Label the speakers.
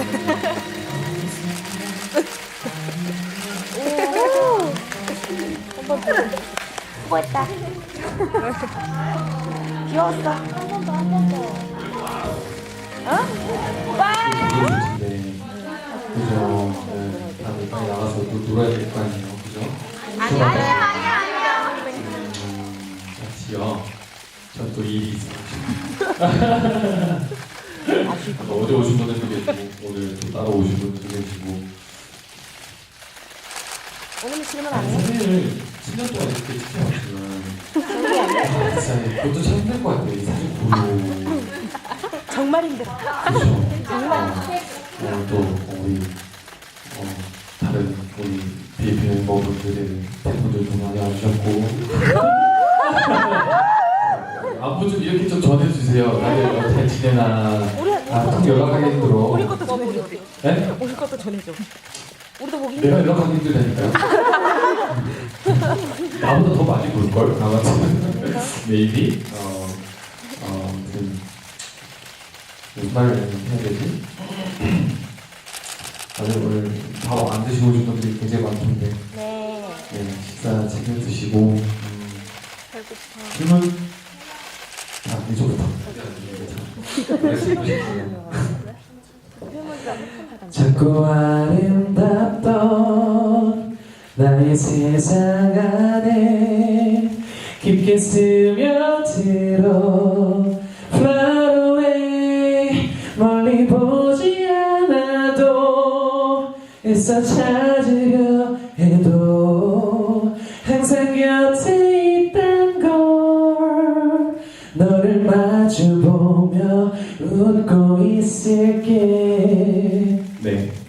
Speaker 1: 한번 더. 수고했다. 귀여웠어. 한 번 더, 한 번 더. 어? 와!
Speaker 2: 그죠? 네, 다들 빨리 나가서 또 놀아야 될 거 아니에요, 그죠?
Speaker 1: 아니야.
Speaker 2: 같이요. 전 또 일이 있어요. 어제 오신 분들도 계시고 오늘 또 따로 오신 분들도 계시고.
Speaker 1: 오늘 질문 안 해?
Speaker 2: 사진을 10년 동안 이렇게 찍혀왔지만 진짜 그것도 참 힘들 것 같아요. 이 사진 보고.
Speaker 1: 정말 힘들어.
Speaker 2: 그렇죠.
Speaker 1: 정말.
Speaker 2: 또 우리 다른 우리 BFP 멤버분들의 팬분들도 많이 와주셨고. 안부 좀 이렇게 좀 전해주세요. 다들 어떻게 지내나. 좀 연락하기 힘들어.
Speaker 1: 우리 것도 전해줘.
Speaker 2: 네?
Speaker 1: 우리 것도 전해줘. 우리도 보기
Speaker 2: 내가
Speaker 1: 힘들어.
Speaker 2: 연락하기 힘들다니까요. 나보다 더 많이 볼걸? 아마 maybe. 아무튼 무슨 말을 해야 되지? 다들 오늘 밥 안 드시고 오신 분들이 굉장히 많던데.
Speaker 1: 네.
Speaker 2: 네, 식사 챙겨 드시고.
Speaker 1: 배고파.
Speaker 2: 질문. 자, 이쪽부터. 작고 아름답던 나의 세상 안에 깊게 스며들어 Fly away 멀리 보지 않아도 애써 찾으려 해도 항상 곁에 있단 걸 너를 마주보며 웃고 있을게. 네.